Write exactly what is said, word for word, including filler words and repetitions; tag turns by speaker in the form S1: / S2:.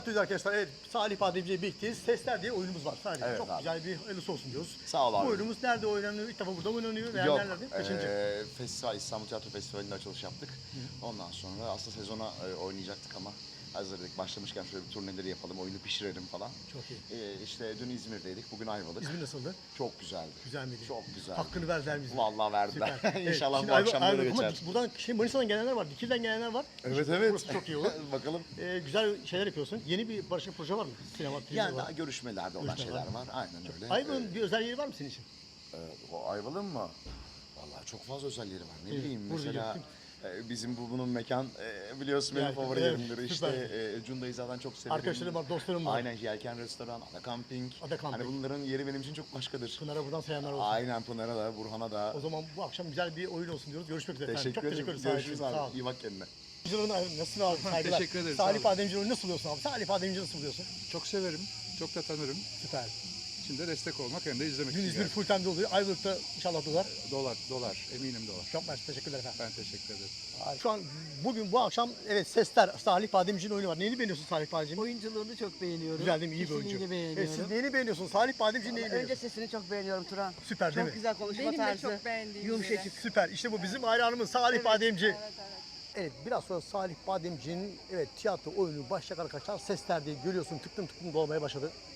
S1: Arkadaşlar evet Salih Bademci'yle birlikteyiz. Sesler diye oyunumuz var. Salih
S2: Evet
S1: çok
S2: abi.
S1: güzel bir hayırlısı olsun diyoruz.
S2: Sağ ol abi.
S1: Bu oyunumuz nerede oynanıyor? İlk defa burada oynanıyor veya
S2: Yok,
S1: nerelerde? Kaçıncı?
S2: eee, festival, İstanbul Tiyatro Festivali'nde açılış yaptık. Ondan sonra aslında sezona e, oynayacaktık ama hazır dedik başlamışken şöyle bir turneleri yapalım, oyunu pişirelim falan.
S1: Çok iyi.
S2: Eee işte dün İzmir'deydik, bugün Ayvalık.
S1: İzmir nasıldı?
S2: Çok güzeldi.
S1: Güzel miydi?
S2: Çok güzel.
S1: Hakkını verdiler bize.
S2: Vallahi verdiler.
S1: Süper.
S2: İnşallah
S1: Evet,
S2: bu
S1: şimdi
S2: akşam
S1: Ayva-
S2: böyle
S1: Ayva- ama
S2: geçer.
S1: buradan şey, Manisa'dan gelenler var, Dikil'den gelenler var.
S2: Evet
S1: İşte
S2: evet.
S1: Burası çok iyi olur.
S2: Bakalım.
S1: Ee, güzel şeyler yapıyorsun. Yeni bir barışık proje var mı? Sinema, film
S2: Yani
S1: var.
S2: daha görüşmelerde olan
S1: Görüşmeler
S2: şeyler var. Aynen öyle.
S1: Ayva'nın bir özel yeri var mı senin için?
S2: Ee, o Ayvalık'ın mı? Vallahi çok fazla özellikleri var. Ne
S1: Evet,
S2: bileyim
S1: burada
S2: mesela
S1: gittim.
S2: e, bizim bu bunun mekan e, biliyorsun benim
S1: Yani,
S2: favorilerimdir.
S1: evet,
S2: işte
S1: süper.
S2: e, Cunda'yı zaten çok severim.
S1: Arkadaşlarım var, dostlarım var.
S2: Aynen Yelken Restoran, Ada Camping.
S1: Ada Camping.
S2: Hani bunların yeri benim için çok başkadır.
S1: Pınar'a buradan selamlar olsun.
S2: Aynen Pınar'a da, Burhan'a da.
S1: O zaman bu akşam güzel bir oyun olsun diyoruz. Görüşmek üzere. efendim.
S2: Teşekkür
S1: Çok
S2: ederim.
S1: teşekkür ederiz.
S2: Görüşürüz
S1: Sağ olun.
S2: abi. İyi bak kendine.
S1: Bademci'nin nasılsın abi? Saygılar.
S3: Teşekkür ederiz,
S1: Salih
S3: sağ olun.
S1: Bademci'nin nasıl buluyorsun abi? Salih Bademci'ni nasıl buluyorsun?
S3: Çok severim, çok da tanırım.
S1: Süper.
S3: Şimdi destek olmak hem de izlemek
S1: Dün
S3: için
S1: İzmir
S3: geldim.
S1: full time'de oluyor. Ayvalık'ta inşallah dolar.
S3: Dolar, dolar, eminim dolar.
S1: Çok mersi. Teşekkürler efendim.
S3: Ben teşekkür ederim.
S1: Şu an bugün bu akşam evet sesler Salih Bademci'nin oyunu var. Neyini beğeniyorsun Salih Bademci'nin?
S4: Oyunculuğunu çok beğeniyorum.
S1: Güzel değil mi? İyi bir oyuncu.
S4: Kişiliğini
S1: Evet,
S4: beğeniyorum.
S1: siz neyini beğeniyorsunuz? Salih Bademci'nin neyini
S4: Önce
S1: beğeniyorsunuz?
S4: sesini çok beğeniyorum Turan.
S1: Süper değil
S4: Çok
S1: mi?
S4: güzel konuşma
S5: Benim de
S4: tarzı.
S5: çok beğendiğim
S4: Yumuşacık.
S1: Süper. İşte bu bizim hayranımız Salih Bademci.
S5: Evet, evet.
S1: Evet biraz sonra Salih Bademci'nin evet tiyatro oyunu başlayacak arkadaşlar. Sesler diye görüyorsun tıklım tıklım dolmaya başladı.